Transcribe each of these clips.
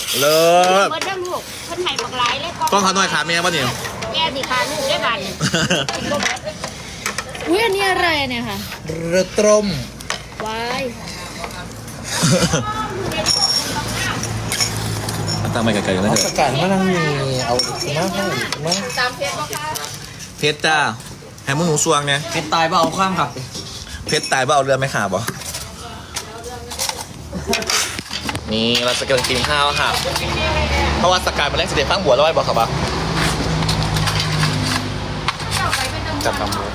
เลิศเบิดเด้อลูกเพิ่นให้บักหลายเลยกล้องเขาหน่อยขาแม่ป่ะเนี่ยแม่สิขาลูกได้บาดนี่อุ้ยอันนี้อะไรเนี่ยค่ะเรือตรมวายตั้งไปไกลๆกันนะเอาเถสอะกัดมานั่งมีเอามาให้มาตามเพชรบ่คะเพชรจ้าแฮมมึงหนูสวงเนี่ยเป็นตายเปล่าเอาข้ามครับเพชรตายว่าเอาเรือไม่ขาบบ่นี่เราจะกำลังกินข้าวค่ะเพราะว่าสกายมาเล่นเสด็จฟังบัวแล้วไอ้บอกครับบ่จับตำบัว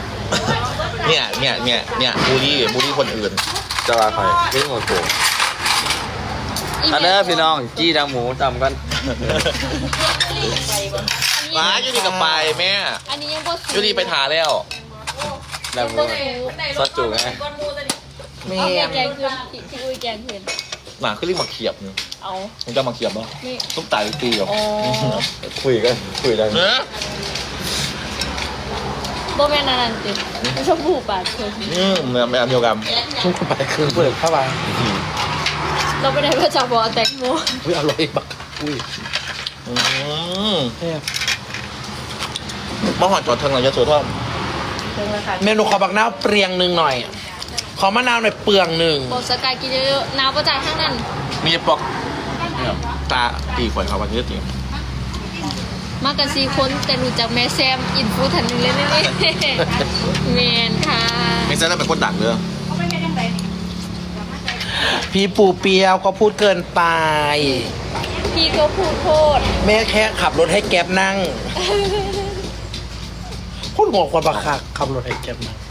เนี่ยบูลลี่คนอื่นจะว่าใครเรื่องโมโหอันนี้พี่น้องจี้ดังหมูจำกันว้ายูดีกับไปแม่อันนี้ยังบ่สุกยูดีไปถาแล้วดังหมูซอสจุไงแม่เอาแม่แกงคืนที่อุ้ยแกงคืนหมาขึ้นรีบมาเขียบนี่เอามึงจะมาเขียบบ่นี่ต้องตายตีเหรออ๋อคุยได้เนอะบ่แม่นอันนั้นติไม่ชอบผูปากคือเหมือนแบบเดียวกันทุกคนไปคืนเปิดเข้าไปเราไปไหนพระเจ้าบอกแตงโมอุ้ยอร่อยบักอุ้ยเมื่อหอดจอดเทิงหลังยะโสธรเมนูขอบักนาวเปรียงหนึ่งหน่อย ขอมะนาวหน่อยเปลืองหนึ่งบอกสกายกินเยอะๆน้ำประจานข้างนั้นมีปอกตาตีข่อยเขาวันนี้ตีมากัน4คนแต่รู้จักแม่แซมอินฟูทันหนึงเลยนี่แมนค่ะไม่ใช่แล้วเป็นคนดังเลยพี่ปูเปียวก็พูดเกินไปพี่ก็พูดโทษแม่แค่ขับรถให้แก๊ปนั่งพูดหัวคนบักคักขับรถให้แก๊ปนั่ง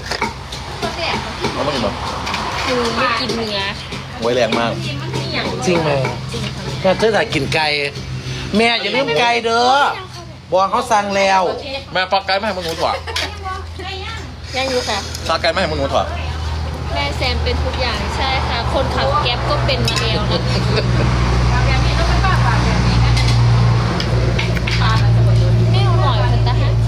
เขาไม่กินแบบคือไม่กินเนื้อไว้แรงมากจริงไหมแม่เธอแต่กินไก่แม่อย่าลืมไก่เด้อบอกเขาสั่งแล้วแม่ปอกไก่ไม่ให้มึงหนูถั่วยังอยู่ค่ะซาไก่ไม่ให้มึงหนูถั่วแม่แซมเป็นทุกอย่างใช่ค่ะ คนขับแก๊ปก็เป็นมาแล้วนะไม่อร่อยพันตะฮะ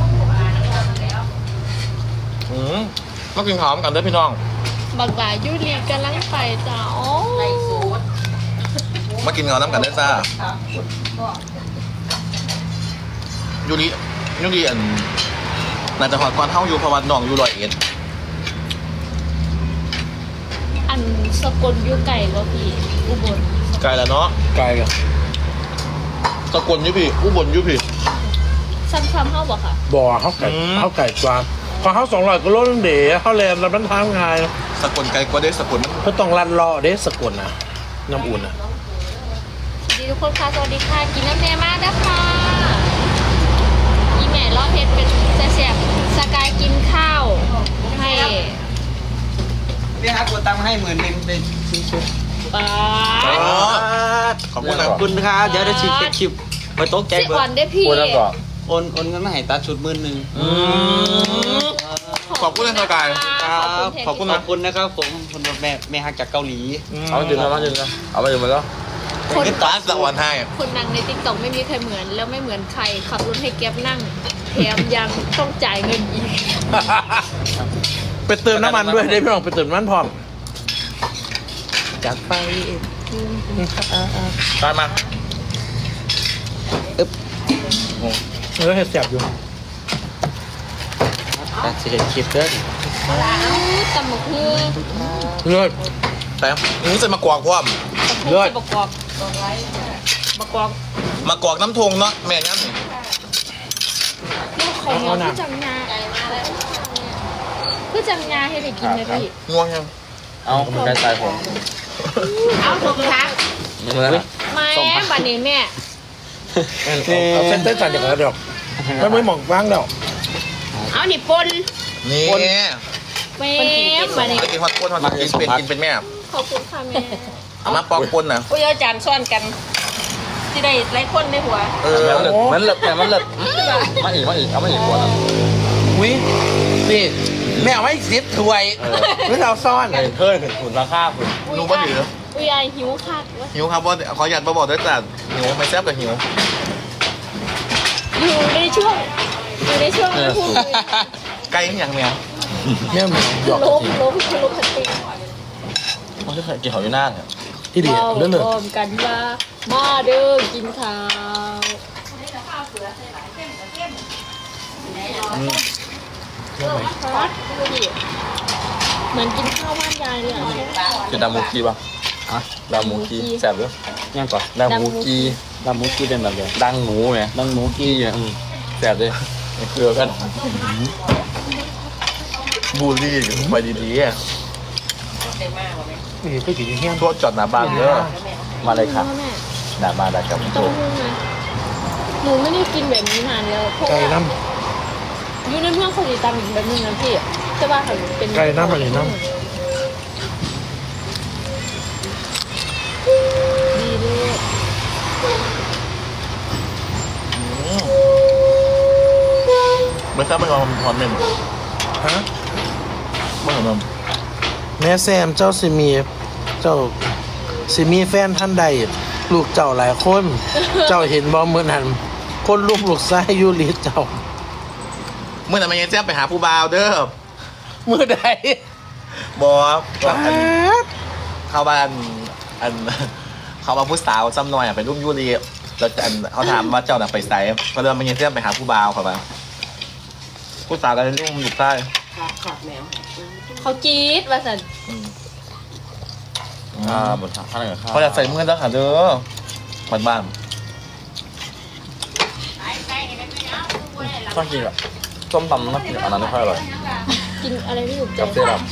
มากินข้าวกันเด้อพี่น้องบักหลายยูรีกำลังไปจ้าโอ้มากินข้าวน้ำกันเด้อจ้ายูริอันน่าจะหอดก่อนเท่าอยู่เพราะว่าน้องอยู่101 อันสกลยูไก่ก็พี่อุบลไกลแล้วเนาะไก่กับสกลอยุพี่อุบลอยุพี่ซ้ำๆเข้าบอกค่ะบ่อเขาไก่อืมเขาไก่กวางพอเขา200กิโลนึงเด๋เขาแลนแล้วมันทำไงสกลไกลกว่าเด้สกลมันเพื่อต้องรันรอเด้สกุลนะน้ำอุ่นอ่ะสวัสดีทุกคนค่ะสวัสดีค่ะกินน้ำเนยมากนะคะอีแม่รอบเพชรเป็นแซ่บๆสกายกินข้าวให้พี่ฮักกดตังค์ให้10,000เป็นชิ้นปลาขอบคุณนะขอบคุณครับเดี๋ยวได้ฉีดคลิปไปโต๊ะแกสิเบิร์อ่อนได้พี่โอนเงินมาให้ตัดชุด10,000 ขอบคุณนะสกายครับขอบคุณคุณนะครับผมคุณแม่ฮักจากเกาหลีเอามาดื่มนะเอามาดื่มมาแล้วคนขึ้นตาสวรรค์ให้คนนั่งในติ๊กต็อกไม่มีใครเหมือน แล้วไม่เหมือนใครขับรถให้แก๊ปนั่งแถมยังต้องจ่ายเงินอีกไปเติมน้ำมันด้วยได้พี่น้องไปเติมน้ำมันพร้อมจัดไปตามมาเออเห็ดแสบอยู่แต่จะเห็นคลิปเด้อตำบักหุ่งเลือดแต่นี่จะมากวากพร้อมเลือดบักกอกบักกอกมากวากน้ำทงเนาะแม่งั้นลูกเขาเหนียวคือจังงาคือจังงาให้ได้กินเลยพี่ง่วงยังเอาเหมือนกันสายผมเอาถูกทางเหมือนกันแม่บัดนี้แม่เอาเส้นเต้นสั่นอย่างนั้นเดี๋ยวไม่ไม่หมองว่างเดี๋ยวเอานี่ปนนี่แม่บัดนี้ไปกินฮอตก้นฮอตกินเป็นแม่ขอบคุณค่ะแม่เอามาปอกปนนะอุ้ยเอาจานซ้อนกันที่ได้หลายคนในหัวเออมันเลิกแต่มันเลิกมาอีกเอามาอีกขวดอุ้ยนี่แม่เอาไว้10ถ้วยหรือเราซ่อนเพิ่มถึงขุนราคาคุณหนูบ่ถืออุ้ยอายหิวคักวะหิวครับว่าขอหยัดมาบอกด้วยจ้ะหิวไม่แซ่บกับหิวอยู่ในช่วงไม่พูดเลยไก่อย่างแมวแม่หมองหยอกล้มทันทีมันจะเกี่ยวอยู่หน้าเนี่ยที่ดีเว้าเรื่องหนึ่งพร้อมกันว่ามาเด้อกินข้าว ครับดูดิเหมือนกินข้าวบ้านยายเลยอ่ะคือดามูกีป่ะอ่ะดามูกีแซ่บด้วยยังก่อนดามูกีเป็นแบบเดียวดังหมูไงดังหมูกีอ่ะแซ่บด้วยเกลือกันบูลลี่ไปดีๆอะนี่ก็กินแห้งตัวจอดหน้าบ้านเด้อมาเลยค่ะแม่หน้าบ้านได้ครับผมเต้าหู้นะหนูไม่ได้กินแบบนี้นานแล้วเพราะไก่ว่าน้อยู่ในเมืองเขาจะตำอีกแบบนึงนะพี่ใช่ป่ะเขาเป็นไก่น้ำอะไรน้ดีด้วยไม่ทราบไม่ลองทอนเมนำฮะไม่เห็นมันแม่แซมเจ้าสิมีแฟนท่านใด ลูกเจ้าหลายคน เจ้าเห็นบ่เมื่อนั้นคนลูกไส้ยูริเจ้าเมื่อไหร่มันยังแจ้งไปหาผู้บ่าวเด้อเมื่อใดบอกก็ป๊าดเข้าบ้านอันเขามาผู้สาวซ้ำหน่อยอะไปรุ่มยูรีแล้วอันเขาถามว่าเจ้าหนักไปไสก็เลยมันยังแจ้งไปหาผู้บ่าวเขาไปผู้สาวก็เลยรุ่มอยู่ใต้เขาจี๊ดว่าสันบนทางข้างหลังข้าวเขาอยากใส่เมื่อแล้วค่ะเด้อบ้านบ้านชอบกินอ่ะส้มตำน้ำกินอันนั้นไม่ค่อยอร่อยกินอะไรไม่ถูกใจกับเซรั่ม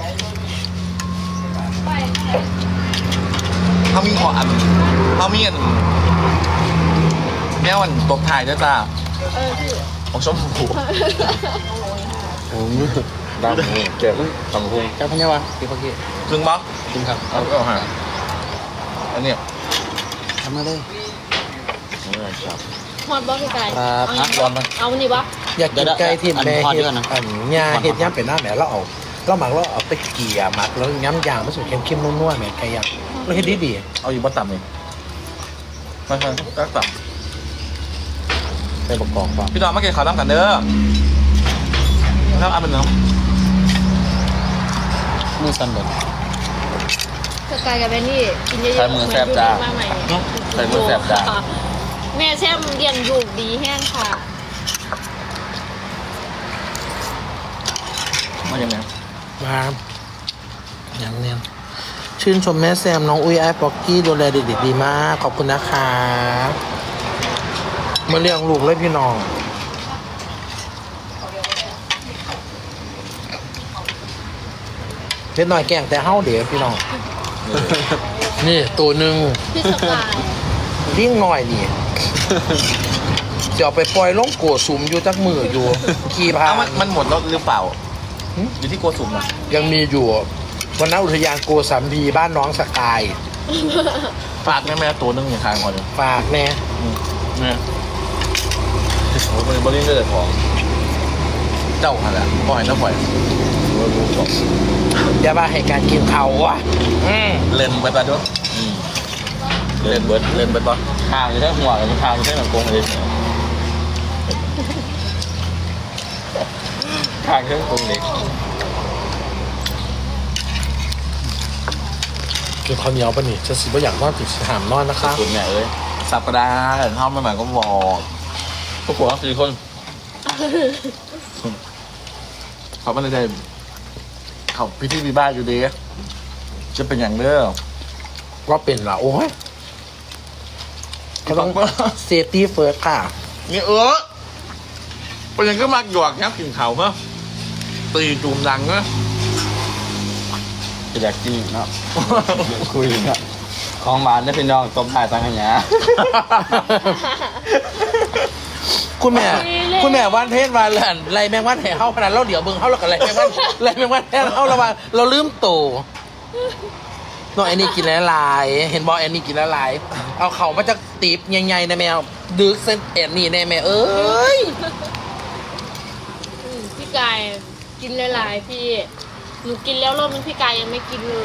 เขามีของอันเขามีอันแม่วันตบถ่ายด้วยจ้าพี่ของชมพูดำหมูเจ็บตำพุงแก้วพันยวะพี่พักกี้ซึ่งบ๊อกจริงครับเอาหาอันเนี้ยทำมาเลยครับฮอตบอสพี่ไก่ครับร้อนมั้ยเอานี่วะอยากกินไก่ที่แม่อันทอดเฮ็ด้ดวยนะอันยาเฮ็ดย่ำเป็นหน้าแหมแล้วหมักแล้วเอาไปเกี่ยหมักแล้วย้ำยางมันสุดเข้มๆนัวๆแหมไก่ย่างแล้วเฮ็ดดีเอาอยู่บนต่ำนี่ไม่ใช่ก็ต่ไปประกอบฟังำพี่น้องมากินข้าวน้ำกันเด้อแล้วเอาเป็นน้มือสั่นเลยสกายกับแบนนี่กินเยอะๆใช้มือแซ่บจ้าเหมือนอยู่ในบ้นใหม่เนี่ยใส่มือแสบจ้าแม่แซมเรียนอยู่ดีแห้งค่ะำมาอย่างไงๆมาอย่างเนี้ยชื่นชมแม่แซมน้องอุ้ยไอ้ป๊อกกี้ดูแลเด็กๆดีมากขอบคุณนะคะมาเลี้ยงลูกเลยพี่น้องเล็กน้อยแกล้งแต่เฮาเดี๋ยวพี่น้อง นี่ตัวหนึ่งพี่สกายลิ่งหน่อยนี่จะเอาไปปล่อยลงโกสุมอยู่จักมืออยู่ขี่พาอ้าวมันหมดแล้วหรือเปล่าหึอยู่ที่โกสุมอ่ะยังมีอยู่วันนั้นอุทยานโกสัมพีบ้านน้องสกายฝากแม่ตัวนึงอย่างทางก่อนเลยฝากแน่เนี่ยโอ้ยบริเวณเลยของเจ้าอะไรปล่อยแล้วปล่อยอย่าบ้าให้การกินเขาว่ะเล่นไปปะด้วยเล่นเบิร์ดเล่นไปปะทางอยู่แค่หัวกับทางอยู่แค่หนังกงเลยทางแค่กงเล็กกินข้าวเหนียวปะนี่จะสิบ่อยากนอนติดถามนอนนะคะสุดเนี่ยเอ้ยสับกระดาษเข้ามาใหม่ก็บอกพวกหัว4 คนเขาไม่ได้เขาพิธีมีบ้านอยู่ดีจะเป็นอย่างเด้อว่าเป็นเหรอโอ้ยเขาต้องเซฟตี้เฟิร์สค่ะนี่เป็นอย่างก็มักหยอกยับกินเขาเนาะตีจูมดังเนาะจะอยากกินเนาะคุยเนาะของหวานได้พี่น้องต้มถ่ายตังขยะคุณแม่วันเพศวันไรแมงวันแห่เข้าพนันเราเดี๋ยวเบิ่งเข้าแล้วกันไรแมงวันแห่เข้าระวังเราลืมโตน้องแอนนี่กินหลายๆเห็นบอกแอนนี่กินหลายๆเอาเข่ามาจากตีบใหญ่ๆนะแมวดึกเส้นแอนนี่แน่แม่เอ้ยพี่กายกินหลายๆพี่หนูกินแล้วรอบนึงพี่กายยังไม่กินเลย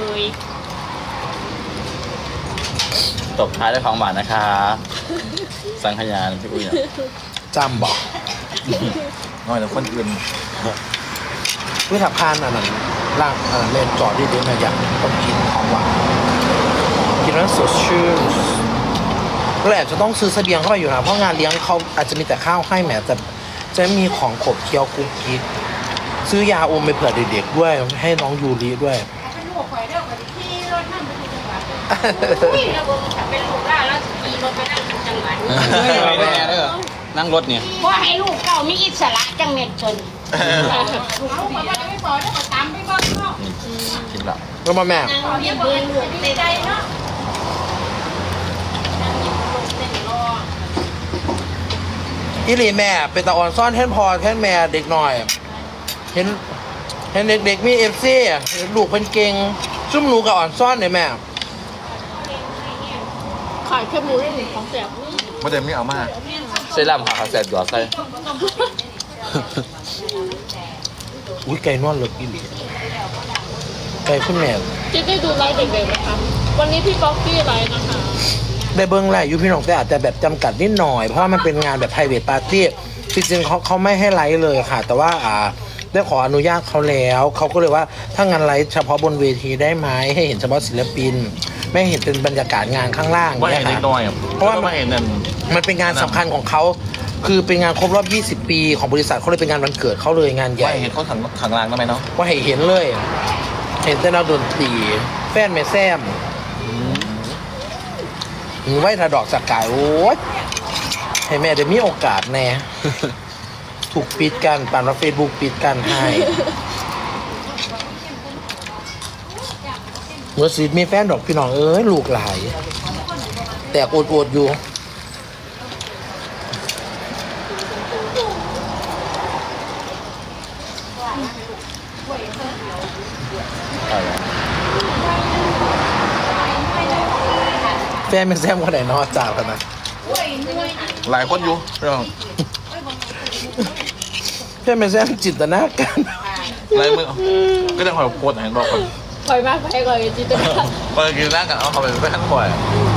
ตบท้ายด้วยของหวานนะคะ สังขยาพี่อุ้ยเนี่ยจำบอกน้อยแต่คนอื่นเพื่อถับพานอันนั้นล่างเลนจอดดีๆนะอยากต้องกินของหวานกินนแล้วสดชื่นเราอาจจะต้องซื้อเสบียงเข้าไปอยู่นะเพราะงานเลี้ยงเขาอาจจะมีแต่ข้าวให้แหมแต่จะมีของขบเคี้ยวกุ๊กกิ๊กซื้อยาอมไปเผื่อเด็กๆด้วยให้น้องยูริด้วยเป็นลูกข่อยเด้อข่อยขี่รถนั่งไปทุกจังหวัดอุ้ยแล้วบ่ถ้าเป็นลูกได้แล้วขี่รถไปนั่งทุกจังหวัดแม่เด้อนั่งรถเนี่ยเพราะให้ลูกเก่ามีอิสระจังเม็ดชนเอาไปว่าจะไม่ปล่อยแล้วก็ตามไปบ้านเนาะกินละแล้วมาแม่นางเรียบเบิ่งลูกในใจเนาะนางหยิบลงเต้นรออีหลีแม่เป็นตาอ่อนซ่อนแท่นพอแท่นแม่เด็กหน่อย เห็นเด็กๆมีเอฟซีลูกเป็นเก่งซุ่มหนูกับอ่อนซ่อนเลยแม่ขายแค่หมูได้หนึ่งของแสบไม่ได้ไม่เอามาเซรั่มขาแสบหยอดใส่อุ้ยไก่นวดเลิกอีหลีไก่คุณแม่จะได้ดูไลฟ์เด็กๆไหมคะวันนี้พี่ก๊อฟฟี่ไลฟ์นะคะได้เบิ้งแหละอยู่พี่น้องแต่อาจจะแบบจำกัดนิดหน่อยเพราะว่ามันเป็นงานแบบ private party จริงๆเขาไม่ให้ไลฟ์เลยค่ะ แต่ว่าได้ขออนุญาตเขาแล้วเขาก็เลยว่าถ้างานไลฟ์เฉพาะบนเวทีได้ไหมให้เห็นเฉพาะศิลปิน ไม่เห็นเป็นบรรยากาศงานข้างล่างว่าเห็นค่ะเล็กน้อยอ่ะเพราะว่าไม่เห็นนั่นมันเป็นงานสำคัญของเขาคือเป็นงานครบรอบ 20 ปีของบริษัทเขาเลยเป็นงานวันเกิดเขาเลยงานใหว่าญ่เห็นเขาขังรางได้ไหมเนาะว่าให้เห็นเลย เห็นแต่นักดนตรีแฟนแม่แซมไว้ถ้าดอกสกายโอ้ยให้แม่ได้มีโอกาสแน่ ถูกปิดกันปานว่าเฟซบุ๊กปิดกันให้เมื่อสิมีแฟนดอกพี่น้องเอ้ยลูกหลาย แต่อดๆอยู่ แฟนเป็นแซมคนไหนเนอะจ่ากันนะหลายคนอยู่เรื่องแฟนเป็นแซมจินตนาการหลายมือก็จะคอยกดเห็นบอกคนคอยมากไปก่อนจิตตนาเปิดกินหน้ากันเอาเขาไปไปขั้นบ่อย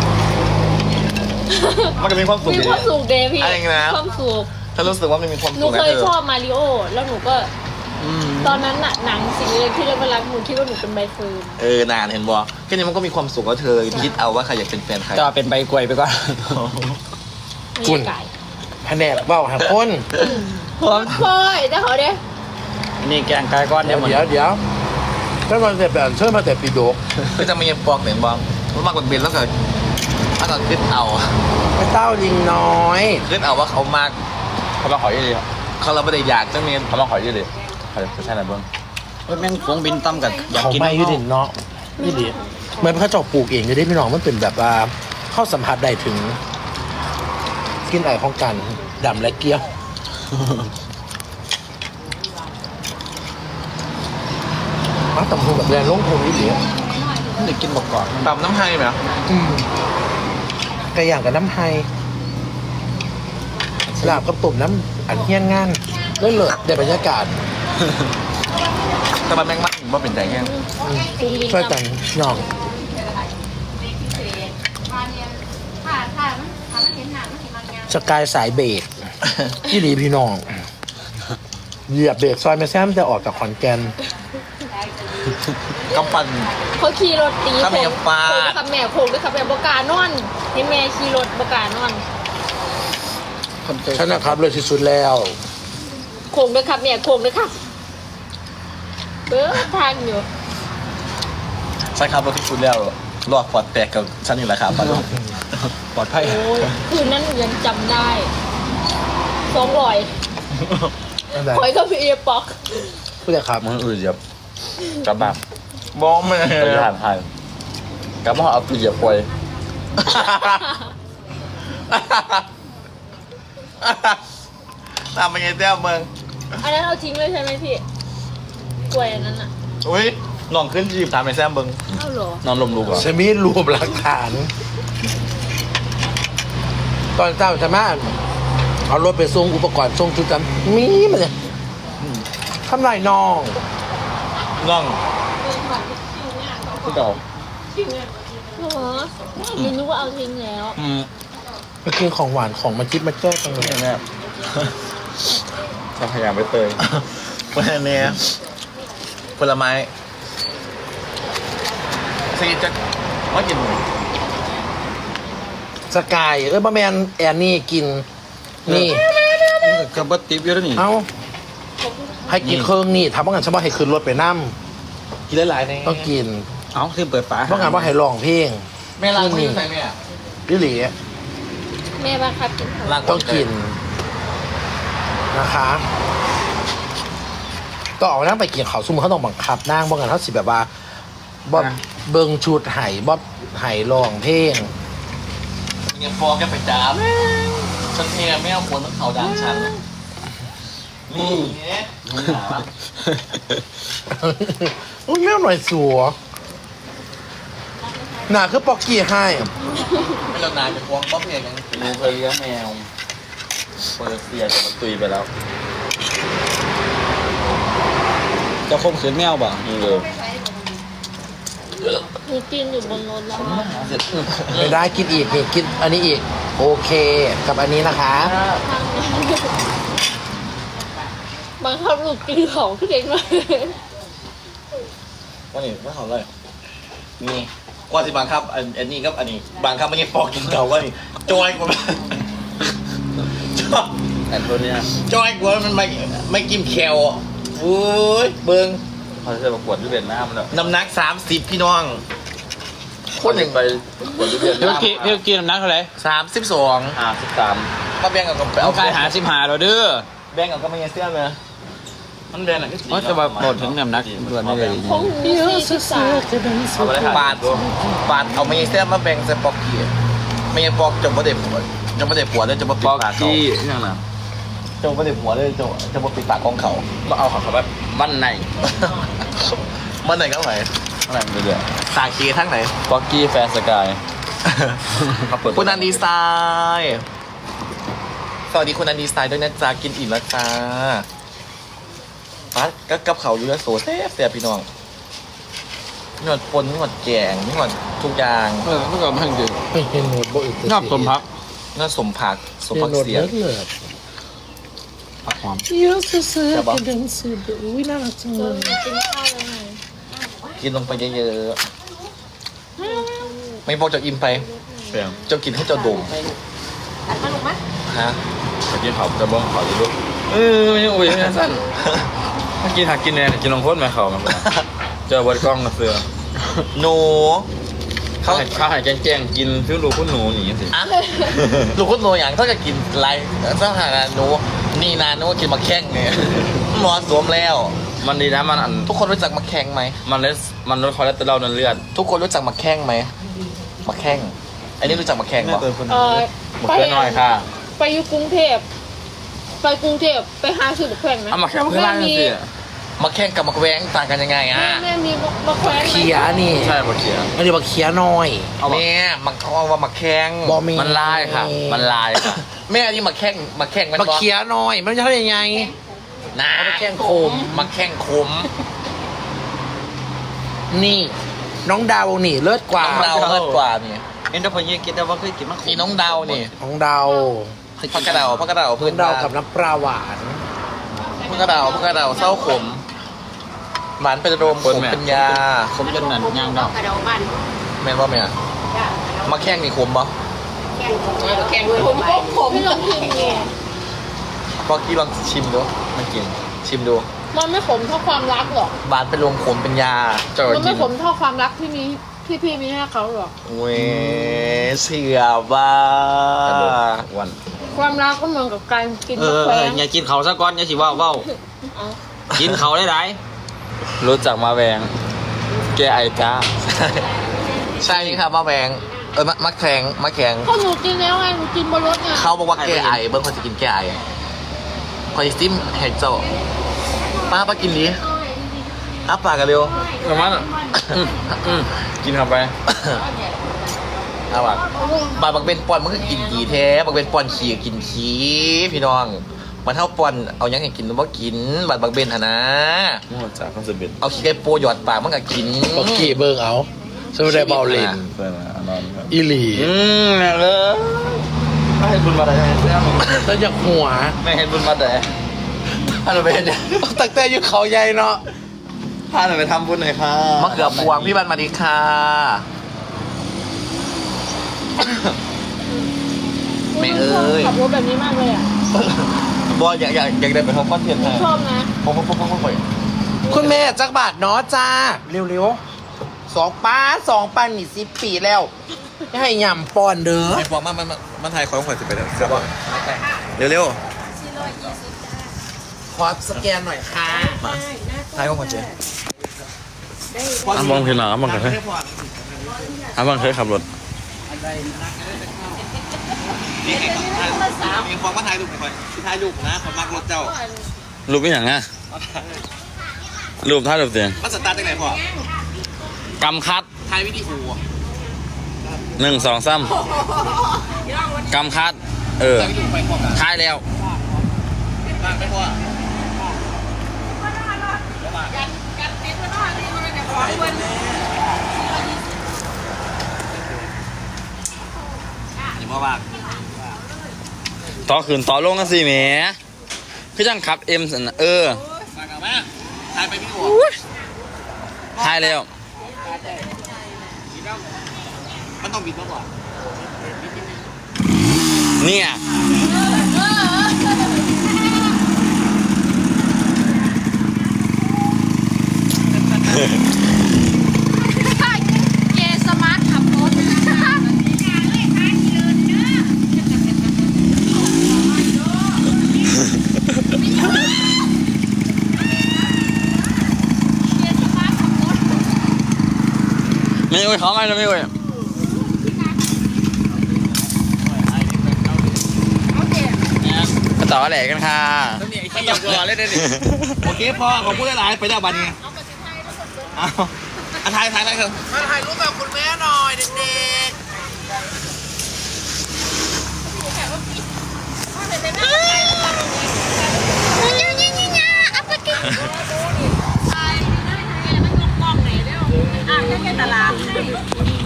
มันจะมีความสุขมีดีความสุขเดย์พี่อะไรนะความสุขถ้ารู้สึกว่ามันมีความหสุนูขเคนะยเธอชอบมาริโอแล้วหนูก็ตอนนั้นน่ะหนังสิ่งเล็กที่เล่นเวลาหนูคิดว่าหนูเป็นใบเฟิร์นนานเห็นบ่แค่นี้มันก็มีความสุขแล้วเธอคิดเอาว่าใครอยากเป็นแฟนใครจะเป็นใบกล้วยไปก่อนไม่ใช่ไก่แผนกเบ้าหาคนคอยแต่เขาเด้นี่แกงไก่ก้อนเดี๋เนี่ย ยว หมดเดี๋ยวถ้ามันแต่แบบเชิญมาแต่ปีโดกก็จะมีปอกเห็นบ่มันมากกว่าเบนแล้วก็คิดเอาไม่เต้ายิงน้อยคิดเอาว่าเขามากเขามาขอยี่เลยเขาเราไม่ได้อยากจะมีเขามาขอยี่เลยเขาจะใช่ไหมเบิ้งเฮ้ยแม่งฟงบินตั้มกับอยากเขากินไม่ยืดเนาะนี่ดิเหมือนพระเจ้าปลูกเองจะได้พี่น้องมันเป็นแบบว่าเข้าสัมผัสได้ถึงกลินไอของกันดำและเกี้ยวมาตำหูแบบแรงลงทุนนี่ดิเด็กกินบอกก่อนตำน้ำให้ไหมไก่ย่างกับน้ำไฮลาบกับตุ่มน้ำอันเฮี้ยนงานเลิศๆได้บรรยากาศแต่มันแม่งมากว่าเป็นใจแห้งช่วยกันน้องถ้ามันเห็นหนังมันสิมันงามสกายสายเบรกที่หลีพี่น้องเหยียบเบรกซอยไม่แซมจะออกจากขอนแก่นกำปั้นเขาขี่รถตีถ้าไม่โค้ยัง งฟาดโค้งด้วยครับแม่โค้งด้วยครับแม่บกล้านอนให้แม่ขี่รถบกล้านอนคนเคยฉันนะครับเลยที่สุดแล้วโค้งด้วยครับแม่โค้งด้วยครับเบ้อทางอยู่ใช่ครับรถที่คุณแล้วรอดปลอดแตกกับฉันนี่แหละครับปลอดภัยโอ้ยคืนนั้นหนูยังจำได้200คอยก็พี่เอป๊อกผู้ใหญ่ครับมึงอื่นเหยียบกลับบ้านบ้องแม่ไปทานไทยกลับมาเอาปีเหยียบกล้วยตามไปไงเต้าเมืองอันนั้นเอาทิ้งเลยใช่ไหมพี่กล้วยอันนั้นอ่ะอุ้ยน้องขึ้นจีบถามไปแซมเบิงเอ้าเหรอนอนลมลูกเหรอจะมีรวมหลักฐาน ตอนเจ้าจะมาเอารถไปส่งอุปกรณ์ส่งชุดกันมีมันเนี่ยทำไรน้องน้องพี่เก่าเหรอหนูนึกว่าเอาทิ้งแล้วมากินของหวานของมาจิ๊บมาแจ้กันเลยแม่ทำพยายามไปเตยวันนี้ผลไม้สิจะว่ากินสกายบะแมนแอนนี่กินนี่กับบัตติบเยอะนี่เอาให้กินเครื่องนี่ทำว่างั้นฉันว่าให้ขึ้นรถไปนั่มกินหลายๆนี่ต้องกินเอาคือเปิดฝาเพราะงั้นว่าให้ร้องเพลงแม่ล้างมือใส่แม่ดิหลีแม่บังคับกินเขาล้างต้องกินนะคะก็ออกนั่งไปกินเขาวซุ่มเขาต้องบังคับนั่งเพราะงั้นเขาสิแบบว่าบ่เบิ่งชุดไห่บ่ไห่ร้องเพลงเงี้ยฟองแกไปจ้าบฉันเองไม่เอาคนต้องเขาดังฉันนี่เนี่ยอุ้ยแม่หน่อยสัวหนาคือปอกกี้ให้ไม่เรานานจะฟองป๊อปเองยังดูเคยเลี้ยงแมวเปิดเสียจะมาตุยไปแล้ว จะคมขืนแมวป่ะนี่เลยหนูกินอยู่บนรถแล้วไม่ได้กินอีกนี่กินอันนี้อีก โอเค กับอันนี้นะคะบังคับหนูกินของเก่งมากว่านี่ไม่เขาเลยนี่กว่าสิบังคับอันนี้ครับอันนี้บังคับไม่ใช่ฟอกกินเก่าว่านี่จอยกว่าจอยแต่ตัวเนี้ยจอยกว่ามันไม่กินแคลโอ้ยเบิ้งเขาจะประกวดที่เป็นน้ำแล้วน้ำหนัก30พี่น้องคนหนึ่งไปประกวดที่เป็นน้ำพี่กินน้ำหนักเท่าไหร่ 32 53 มาแบ่งกับไปเอาเอากายหา15เราเด้อแบ่งกับก็ไม่ยังเสื้อเลยมันแบนอ่ะว่าจะมาบอกถึงน้ำหนักด่วนได้เลยของหนู43 เอาไปเลยบาทเอาไม่ยังเสื้อมาแบ่งใส่ปอกกี้ไม่ยังปอกจมประเด็หัวจมประเด็หัวเลยจะมาปิปดอกปากเขาที่นั่นน่ะจมประเด็หัวเลยจะมาปิดปากของเขามาเอาของเขาแบบบ้านในมันไหนก็ไหนอะไรไปเรื่อยสาคีทั้งไหนปอกกี้แฟร์สกายเขาเปิดคุณนันดีไซน์สวัสดีคุณนันดีไซน์ด้วยนะจ๊ะกินอิ่มแล้วจ้าปั๊ดก็กับเขาอยู่แล้วโซเซ่บพี่น้องนวดปนนวดแกงนวดทุกอย่างเมื่อก่อนมันคือไม่เห็นโหนดบ่อึดนอบสมพักนวดสมผักสมผักเสียเลือดผักหอมเยอะสุดๆกระเด็นสุดอุ้ยน่ารักจังเลยกินข้าวแล้วไงกินลงไปเยอะๆไม่บอกจะอิ่มไปเปลี่ยนเจ้ากินให้เจ้าดมตัดมาลูกมั้ยฮะเมื่อกี้เขาจะบ้องเขาจะลุกไม่โอ้ยไม่สั้นเมื่อกี้หักกินแน่กินลงโคตรมาเขามันเจอบนกล้องมาเสือหนูเขาเขาหายแจ้งกินฟิวรูคุณหนูหนีสิอ่ะลูกคุณหนูอย่างถ้าจะกินไรถ้าหากหนูนี่นาหนูกินมาแข้งไงหมอสวมแล้วมันดีนะมันอันทุกคนรู้จักมาแข้งไหมมันลดคอเลสเตอรอลในเลือดทุกคนรู้จักมาแข้งไหมมาแข้งอันนี้รู้จักมาแข้งปะหมดแค่น้อยค่ะไปอยู่กรุงเทพไปกรุงเทพไปหาซื้อบักแขวงไหมเอามาแค่เพื่อนล่างสิมาแข้งกับมาแหวงต่างกันยังไงอ่ะแม่มีบักแขวงไหมเขียนี่ใช่หมดเขียไม่ได้บักเขียน้อยแม่มันเขาเอาว่ามาแข้งบอมีมันลายค่ะ มันลายค่ะแม่อันนี้มาแข้งมันบักเขียน้อยมันจะทำยังไงนะเอามาแข้งคมมาแข้งคมนี่ น้องดาวนี่เลิศกว่าน้องดาวเลิศกว่านี่เอ็นเตอร์พอยกินแต่ว่าเคยกินมากนี่น้องดาวนี่น้องดาวพักกระเดาพักกระเดาน้พื้อน งดาวบ้านกับน้ำปลาหวานพักกระเดาพักกระเดาเศร้าขมหวานเป็นโรมขมเป็นยาผมจนนั่นย่างดอกกระเดาบ้านแม่นว่าแม่จ้ามาแข้งนี่ขมปะแข่งด้วยผมไม่ลองกินไงพอกี้ลองชิมดูไม่กิน ชิมดูมันไม่ขมเท่าความรักหรอกหวานเป็นโรมขมเป็นยาเจ้ามันกิไม่นขมเท่าความรักที่มีที่พี่มีให้เขาหรอกเว้ยเสียบ้าวันความรักก็เหมือนกับการกินบักแขวงอย่ากินเขาซะก่อนอย่าสิว่าเว้ากินเขาได้ไรรู้จักมาแวงแกไอจ้าใช่ครับมาแบงมะแข็งมะแข็งเพราะหนูกินแล้วไงหนูกินบนรถไงเขาบอกว่าแก้ไอเบิ้งคนจะกินแก้ไอคอยซิมเห็ดเจ้าป้ากินดิอ้าปากกันเร็วประมาณกินเข้าไปอ้าปากบักเบนปอนมันก็กินดีแท้บักเบนปอนขี้กินขี้พี่น้องมันเท่าปอนเอายังให้กินมันบ่กินบักเบนหะนะมั่วจากคอนเสิร์ตเบ็ดเอาขี้ไก่โปหยอดปากมันก็กินบักกี้เบิ่งเอาสมุดได้เบาเลนเพื่อนมานอนครับอีหลีแม่เลยไม่ให้บุญมาแต่แม่แล้วอยากหัวไม่ให้บุญมาแต่อันนั้นเป็นเนี่ยตั้งแต่อยู่เขาใหญ่เนาะพาหน่อยไปทำบุญหน่อยค่ะมะเขือพวงพี่บันมาดีค่ะม่เอ้ยขับรถแบบนี้มากเลยอ่ะบอลอยากได้ไปทำคอนเทนต์ให้ชอบนะผมไปคุณแม่จักบาทเนาะจ้า เร็วๆ2 ปันนี่10 ปีแล้วจะให้ยำปอนเด้อไอ้ฟองมันไทยของข่อยจะไปเดี๋ยวเร็วขอสแกนหน่อยค่ะไทยของข่อยเจ๊มองเห็นหรอมองกันเฮ้ยมองเคยขับรถมีฟองมาไทยลูกข่อยไทยลูกนะข่อยมักรถเจ้ารูปไม่อย่างอ่ะรูปท่ารูปเสียงมันสตาร์ทได้ไหนพ่อกำคัดไทยวิดีโอ 1 2 3กำคัดท้ายแล้วไม่พ่อ อย่ามาว่าต่อขึ้นต่อลงกันสิแหมคือจังขับสันน่ะมากับแม่ไทยไปวิดีโอท้ายแล้วมันต้องบิดมาก่อนเนี่ยเกสมาร์ทขับรถไม่โอ้ยเขาไม่นะไม่โอ้ยมาต่อแหลกกันค่ะขยับก่อนเล่นได้ดิโอเคพ่อขอบคุณหลายๆไปแล้วบันนี้เอาถ่ายเถอะมาถ่ายรูปกับคุณแม่หน่อยเด็ก